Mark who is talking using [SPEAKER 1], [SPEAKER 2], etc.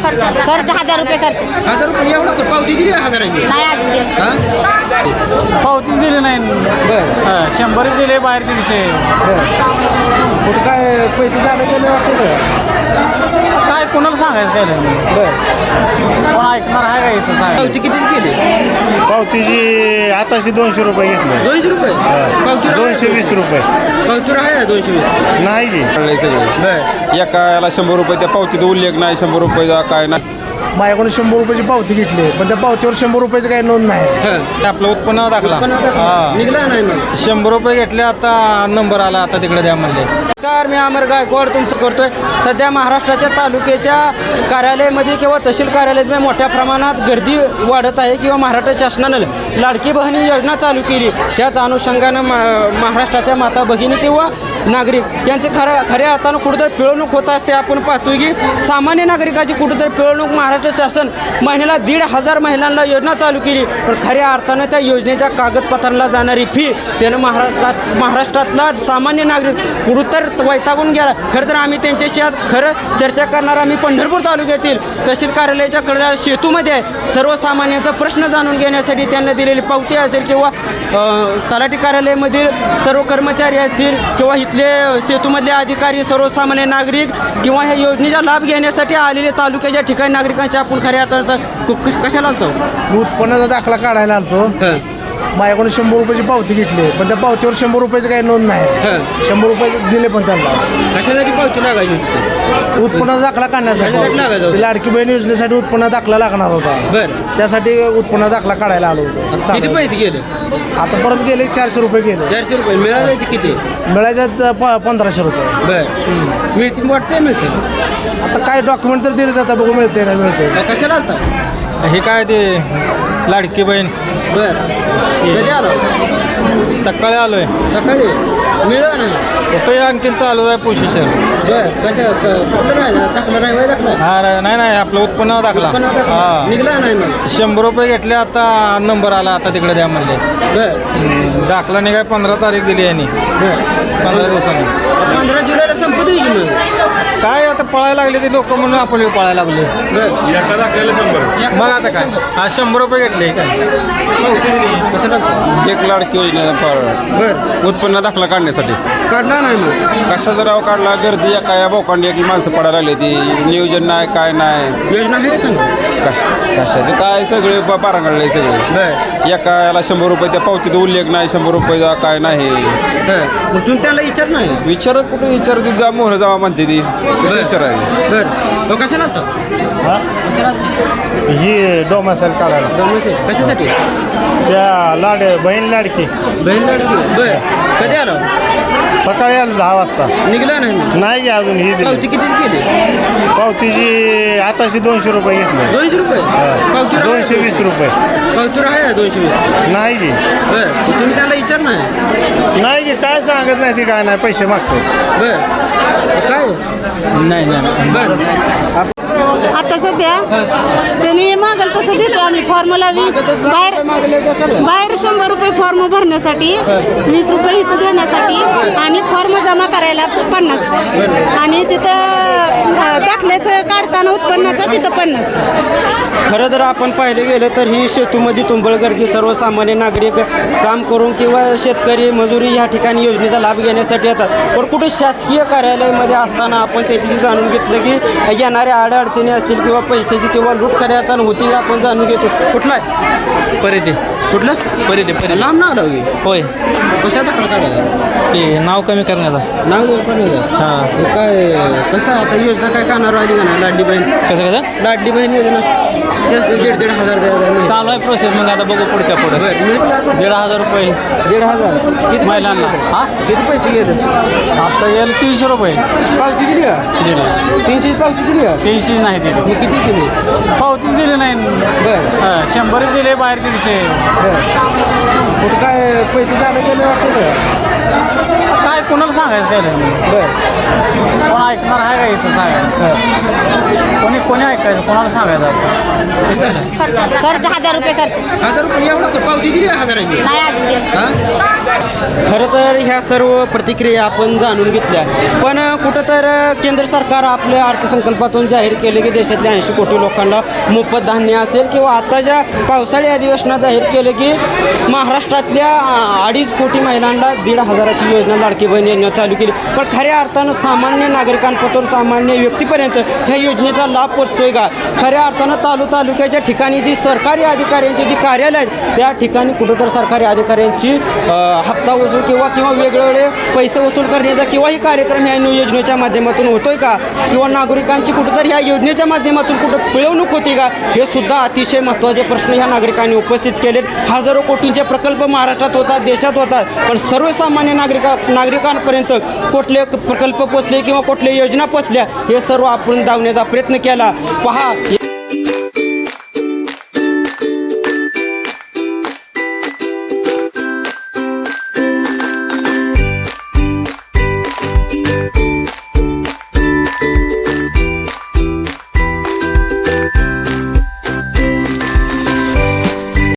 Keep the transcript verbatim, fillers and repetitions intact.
[SPEAKER 1] खर्च हजार रुपये खर्च
[SPEAKER 2] हजार रुपये एवढं कर पावती दिली हजाराची
[SPEAKER 1] नाही अजून दिलं.
[SPEAKER 2] हा
[SPEAKER 3] पावतीच दिली नाही
[SPEAKER 2] बरं
[SPEAKER 3] हा, शंभरच दिले बाहेर दीडशे
[SPEAKER 2] कुठं काय पैसे जादा गेले वाटते का
[SPEAKER 3] काय कोणाला सांगायचं काय नाही
[SPEAKER 2] बरं
[SPEAKER 3] कोण ऐकणार आहे का इथं सांगायचं
[SPEAKER 2] पावती कितीच गेली
[SPEAKER 4] पावतीची आताशी दोनशे रुपये घेतले
[SPEAKER 2] दोनशे रुपये पावती
[SPEAKER 4] दोनशे वीस रुपये
[SPEAKER 2] पावती आहे दोनशे वीस
[SPEAKER 4] नाही की
[SPEAKER 5] सगळं
[SPEAKER 2] बरं
[SPEAKER 5] एका याला शंभर रुपये त्या पावतीत उल्लेख नाही शंभर रुपये काय नाही
[SPEAKER 6] माझ्याकडून शंभर रुपयाची पावती घेतली पण त्या पावतीवर शंभर रुपयाची काही नोंद नाही.
[SPEAKER 2] हां
[SPEAKER 3] आपलं उत्पन्न दाखला
[SPEAKER 2] निघला नाही मग
[SPEAKER 3] शंभर रुपये घेतले आता नंबर आला आता तिकडे द्या म्हणले.
[SPEAKER 2] नमस्कार, मी अमर गायकवाड तुमचं करतोय. सध्या महाराष्ट्राच्या तालुक्याच्या कार्यालयामध्ये किंवा तहसील कार्यालयामध्ये मोठ्या प्रमाणात गर्दी वाढत आहे किंवा महाराष्ट्र शासनानं लाडकी बहिणी योजना चालू केली. त्याच अनुषंगानं मा महाराष्ट्राच्या माता भगिनी किंवा नागरिक यांचे खऱ्या खऱ्या अर्थानं कुठंतरी पिळवणूक होत असते. आपण पाहतोय की सामान्य नागरिकाची कुठंतरी पिळवणूक महाराष्ट्र शासन महिन्याला दीड हजार महिलांना योजना चालू केली. पण खऱ्या अर्थानं त्या योजनेच्या कागदपत्रांना जाणारी फी त्यानं महाराष्ट्रात महाराष्ट्रातला सामान्य नागरिक कुठंतर वैतागून गेला. खरं तर आम्ही त्यांच्याशी आज खरं चर्चा करणार. आम्ही पंढरपूर तालुक्यातील तहसील कार्यालयाच्या कडल्या सेतूमध्ये आहे. सर्वसामान्यांचा प्रश्न जाणून घेण्यासाठी त्यांना दिलेली पावती असेल किंवा तलाठी कार्यालयामधील सर्व कर्मचारी असतील किंवा इथले सेतूमधले अधिकारी सर्वसामान्य नागरिक किंवा ह्या योजनेचा लाभ घेण्यासाठी आलेले तालुक्याच्या ठिकाणी नागरिकांच्या आपण खऱ्या अर्थाचा कशाला आलतो
[SPEAKER 6] उत्पन्नाचा दाखला काढायला आलतो. माझ्याकडून शंभर रुपयाची पावती घेतली पण त्या पावतीवर शंभर रुपयाची काही नोंद नाही. शंभर रुपये दिले पण त्यांना
[SPEAKER 2] कशासाठी पावती लागायची
[SPEAKER 6] उत्पन्नाचा दाखला
[SPEAKER 2] कशासाठी लागायचा
[SPEAKER 6] काढण्यासाठी
[SPEAKER 2] होता?
[SPEAKER 6] लाडकी बहीण योजनेसाठी उत्पन्न दाखला लागणार होता.
[SPEAKER 2] बरं
[SPEAKER 6] त्यासाठी उत्पन्न दाखला काढायला आलो होतो.
[SPEAKER 2] किती पैसे गेले
[SPEAKER 6] आता परत गेले चारशे रुपये गेले.
[SPEAKER 2] चारशे रुपये मिळाले किती
[SPEAKER 6] मिळायच्यात प पंधराशे रुपये.
[SPEAKER 2] बरं मिळते वाटते मिळते
[SPEAKER 6] आता काय डॉक्युमेंट तर दिले जातात बघू मिळते ना मिळते.
[SPEAKER 2] कशाला आलता
[SPEAKER 3] हे काय ते लाडकी बहीण
[SPEAKER 2] बरं कधी आलो
[SPEAKER 3] सकाळी आलोय
[SPEAKER 2] सकाळी मिळालं नाही
[SPEAKER 3] कुठे आणखीन चालू आहे पोशिशन.
[SPEAKER 2] बरं कसं कुठलं राहिला दाखला नाही वय दाखला
[SPEAKER 3] हा रे, नाही नाही आपलं उत्पन्न दाखला
[SPEAKER 2] पण आता
[SPEAKER 3] हा
[SPEAKER 2] निघला नाही मग
[SPEAKER 3] शंभर रुपये घेतले आता नंबर आला आता तिकडे द्या म्हणले.
[SPEAKER 2] बरं
[SPEAKER 3] दाखला निघाय पंधरा तारीख दिली यांनी
[SPEAKER 2] बरं
[SPEAKER 3] पंधरा दिवसांनी.
[SPEAKER 2] पंधरा जुलैला संपत येईल की मग
[SPEAKER 3] काय आता पळायला लागले ते लोक म्हणून आपण बी पळायला लागलो.
[SPEAKER 2] बरं
[SPEAKER 3] मग आता काय हा शंभर रुपये घेतले काय
[SPEAKER 2] कसं टाकतो
[SPEAKER 5] एक लाडकी योजना फार
[SPEAKER 2] बरं
[SPEAKER 5] उत्पन्न दाखला काढण्यासाठी
[SPEAKER 2] काढला नाही मग
[SPEAKER 5] कशाचा राव काढला गर्दी एका या बोकांडी एक माणसं पडायला लागली ती नियोजन नाही काय नाही
[SPEAKER 2] योजना आहे चांगली
[SPEAKER 5] कश कशाचं काय सगळे पारांगडले सगळे
[SPEAKER 2] बरं
[SPEAKER 5] एका याला शंभर रुपये त्या पावतीत उल्लेख नाही शंभर रुपये काय नाही
[SPEAKER 2] बरं मग तुम्ही त्याला विचार नाही
[SPEAKER 5] विचार कुठे विचारते जा मोहर जावा म्हणते ती कसं विचार आहे
[SPEAKER 2] बरं तो कशाला आलता
[SPEAKER 4] हा
[SPEAKER 2] कशाला आलता?
[SPEAKER 4] ही डोमासाईल काढायला
[SPEAKER 2] डोमेसेल. कशासाठी
[SPEAKER 4] त्या लाड बहीण लाडकी
[SPEAKER 2] बहीण लाडकी बरं कधी आलो
[SPEAKER 4] सकाळी आलो दहा वाजता
[SPEAKER 2] निघला नाही मग
[SPEAKER 4] नाही की अजून ही दिली
[SPEAKER 2] पावती कितीच गेली
[SPEAKER 4] पावतीची आताशी दोनशे रुपये घेतले
[SPEAKER 2] दोनशे रुपये पावती
[SPEAKER 4] दोनशे वीस रुपये
[SPEAKER 2] पावती आहे दोनशे वीस
[SPEAKER 4] नाही की
[SPEAKER 2] बरं तुम्ही त्याला विचार नाही
[SPEAKER 4] नाही की काय सांगत नाही ती काय नाही पैसे मागतो.
[SPEAKER 2] बरं काय
[SPEAKER 3] नाही नाही
[SPEAKER 2] बरं
[SPEAKER 1] आता सध्या त्यांनी मागल तसं देतो आम्ही फॉर्मला वीस बाहेर
[SPEAKER 2] मागले त्याचं
[SPEAKER 1] बाहेर शंभर रुपये फॉर्म भरण्यासाठी वीस रुपये इथं देण्यासाठी आणि फॉर्म जमा करायला पन्नास आणि तिथं दाखल्याचं काढताना उत्पन्नाचं तिथं पन्नास.
[SPEAKER 2] खरं जर आपण पाहिले गेलं तर ही सेतूमध्ये तुंबळगर्दी सर्वसामान्य नागरिक काम करून किंवा शेतकरी मजुरी या ठिकाणी योजनेचा लाभ घेण्यासाठी येतात. पण कुठे शासकीय कार्यालयामध्ये असताना आपण त्याची जाणून घेतलं की येणाऱ्या अडचणी असतील किंवा पैशाची किंवा लूट करण्यात होती आपण जाणून घेतो. कुठला आहे
[SPEAKER 3] परिधे
[SPEAKER 2] कुठलं
[SPEAKER 3] परिधे परिधे
[SPEAKER 2] लांब नाव लावली
[SPEAKER 3] होय
[SPEAKER 2] कशा दाखला काढायला
[SPEAKER 3] ते नाव कमी करण्याचा.
[SPEAKER 2] नाव पण
[SPEAKER 3] हां
[SPEAKER 2] काय कसं आहे आता योजना काय कानावर आली का नाही लाडली बहीण
[SPEAKER 3] कसं कसं
[SPEAKER 2] लाडली बहीण योजना जास्त दीड दीड हजार द्यायला
[SPEAKER 3] चालू आहे प्रोसेस मग आता बघू पुढच्या पुढे.
[SPEAKER 2] बरं
[SPEAKER 3] दीड हजार रुपये
[SPEAKER 2] दीड हजार किती
[SPEAKER 3] महिलांना. हा
[SPEAKER 2] किती पैसे घेत
[SPEAKER 3] आता गेलं तीनशे रुपये
[SPEAKER 2] पावती दिली का
[SPEAKER 3] दिले
[SPEAKER 2] तीनशे पावती दिली का
[SPEAKER 3] तीनशे नाही दिले
[SPEAKER 2] मग किती दिली
[SPEAKER 3] पावतीच दिली नाही.
[SPEAKER 2] बरं
[SPEAKER 3] हा, शंभरच दिले बाहेर दीडशे.
[SPEAKER 2] बरं कुठं काय पैसे जादा गेले वाटते का
[SPEAKER 3] काय कोणाला सांगायचं काय नाही
[SPEAKER 2] बरं
[SPEAKER 3] कोण ऐकणार आहे का इथं सांगायचं कोणी कोणी ऐकायचं कोणाला सांगायचं आपण
[SPEAKER 1] खर्च खर्च हजार रुपये खर्च
[SPEAKER 2] हजार रुपये एवढं कर पावती दिली का हजाराची
[SPEAKER 1] नाही अजून दिलं.
[SPEAKER 2] हां खरं तर ह्या सर्व प्रतिक्रिया आपण जाणून घेतल्या पण कुठं तर केंद्र सरकार आपल्या अर्थसंकल्पातून जाहीर केले की देशातल्या ऐंशी कोटी लोकांना मोफत धान्य असेल किंवा आत्ताच्या पावसाळी अधिवेशनात जाहीर केलं की महाराष्ट्रातल्या अडीच कोटी महिलांना दीड हजाराची योजना लाडकी बहीण योजना चालू केली पण खऱ्या अर्थानं सामान्य नागरिकांपासून सामान्य व्यक्तीपर्यंत ह्या योजनेचा लाभ पोचतोय का खऱ्या अर्थानं तालु तालुक्याच्या ठिकाणी जी सरकारी अधिकाऱ्यांची जी कार्यालय आहेत त्या ठिकाणी कुठंतर सरकारी अधिकाऱ्यांची हप्ता वसूल किंवा किंवा वेगवेगळे पैसे वसूल करण्याचा किंवाही कार्यक्रम ह्या योजनेच्या माध्यमातून होतोय का किंवा नागरिकांची कुठंतरी ह्या योजनेच्या माध्यमातून कुठं पिळवणूक होती का हे सुद्धा अतिशय महत्त्वाचे प्रश्न ह्या नागरिकांनी उपस्थित केलेत हजारो कोटींचे प्रकल्प महाराष्ट्रात होतात देशात होतात पण सर्वसामान्य नागरिका नागरिकांपर्यंत कुठले प्रकल्प पोचले किंवा कुठल्या योजना पोचल्या हे सर्व आपण दावण्याचा प्रयत्न केला पहा